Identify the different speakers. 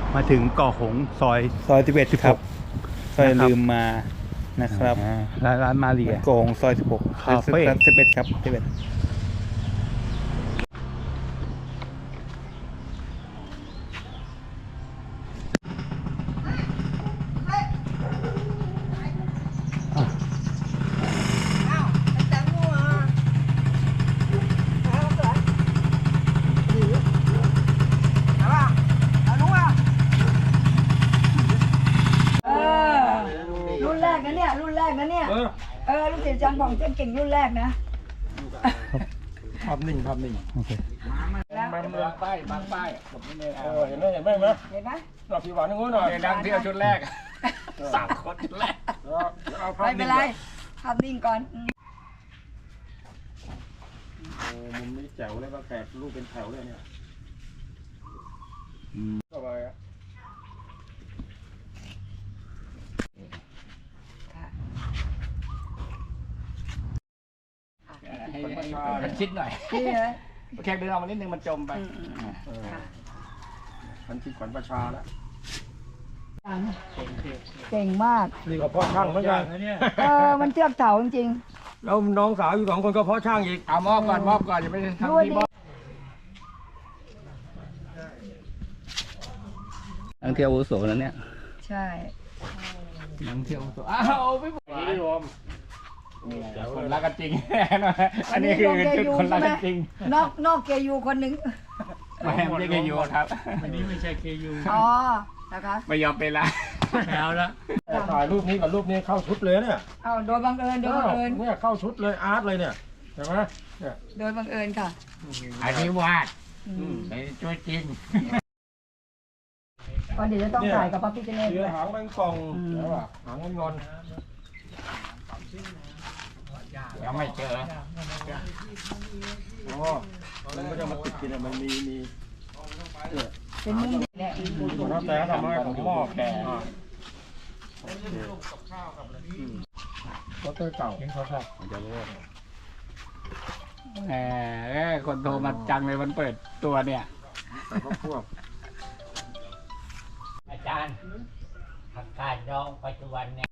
Speaker 1: มาถึงเกาะหงส์ซอย
Speaker 2: 11 ครับซอยลืมมานะครับ
Speaker 1: ร้านมาเรีย
Speaker 2: โกงซอย 16
Speaker 1: คาเฟ่
Speaker 2: 11 ครับ 11
Speaker 3: รุ่นแรกนะเนี่ยรุ่นแรกนะเนี่ยลูกศิษย์จันผ่องเจ้าเก่งรุ่นแรกนะ
Speaker 4: ภาพนิ่งภาพนิ่ง
Speaker 1: โอเค
Speaker 4: บางป้ายเห็นไหมเห็นไหม
Speaker 3: เห็นไหม
Speaker 4: เราพี่หวานนึงหน่อยดังเที่ยวชุดแรก3 คนชุดแรกเอาภาพ
Speaker 3: ไม่เป็
Speaker 4: นิ่
Speaker 3: น
Speaker 4: ง
Speaker 3: ไรภาพนิ่งก่อน
Speaker 4: โอ้มุมนี้แจ๋วเลยว่าแขกรูปเป็นแถวเลยเนี่ยก็ไปอ่ะ
Speaker 5: ให้มันชิดหน่อย
Speaker 3: นี่นะ
Speaker 5: แค่เดินออกมานิดนึงมันจมไป
Speaker 4: มันคิดขวัญประชาแล้ว
Speaker 3: เก่งมาก
Speaker 4: นี่ก็พ่อช่างเหมือนกัน
Speaker 3: มันเทือกเถาจริง
Speaker 4: แล้วน้องสาวอยู่2 คนก็พ่อช่างอีก
Speaker 5: เอามอบก่อนอย่าไป
Speaker 3: ๆ
Speaker 5: ทำ
Speaker 3: ด้วย
Speaker 5: ที่
Speaker 3: ดิ
Speaker 5: มอบ
Speaker 1: นักเที่ยวอาวุโสแล้วเนี่ย
Speaker 3: ใช่
Speaker 5: นังเที่ยวตัวอ้าวไม่บอก
Speaker 4: นี่รวม
Speaker 5: คนรักกันจริงอันนี้คือชุดคนรักกันจริง
Speaker 3: นอกเกยูคนหนึ่ง
Speaker 5: ไม่ไม่ใช่ยูครับ
Speaker 1: อันนี้ไม่ใช่เคยู
Speaker 3: อ๋อนะคะ
Speaker 5: ไม่ยอมเป็นละ
Speaker 1: แล้วละ
Speaker 4: ถ่ายรูปนี้กับรูปนี้เข้าชุดเลยเนี่ย
Speaker 3: เอาโดยบังเอิญ
Speaker 4: เนี่ยเข้าชุดเลยอาร์ตเลยเนี่ยเห็นไหมเนี่ย
Speaker 3: โดยบังเอิญค่ะ
Speaker 5: อันนี้วาดไอ้ช่วยจริง
Speaker 3: วันเดี๋ยวจะต้องถ่ายกับพระพิฆเนศ
Speaker 4: เสื
Speaker 3: ด้
Speaker 4: อ
Speaker 3: วย
Speaker 4: หางแมงป่องใช่ป่ะหางมันงอน
Speaker 5: ยังไม่เจอ
Speaker 4: อ๋อมันก็จะมาติดกินมันมี
Speaker 3: เป็นมุมเนี่ย
Speaker 4: น้าแต่ทำให้ผมหม้อแก่รถเก่า
Speaker 5: แหมคนโทรมาจังเลยมันเปิดตัวเนี่ย
Speaker 4: แต่ก็พวก
Speaker 6: อาจารย์ผักกาดดองปัจจุบันเนี่ย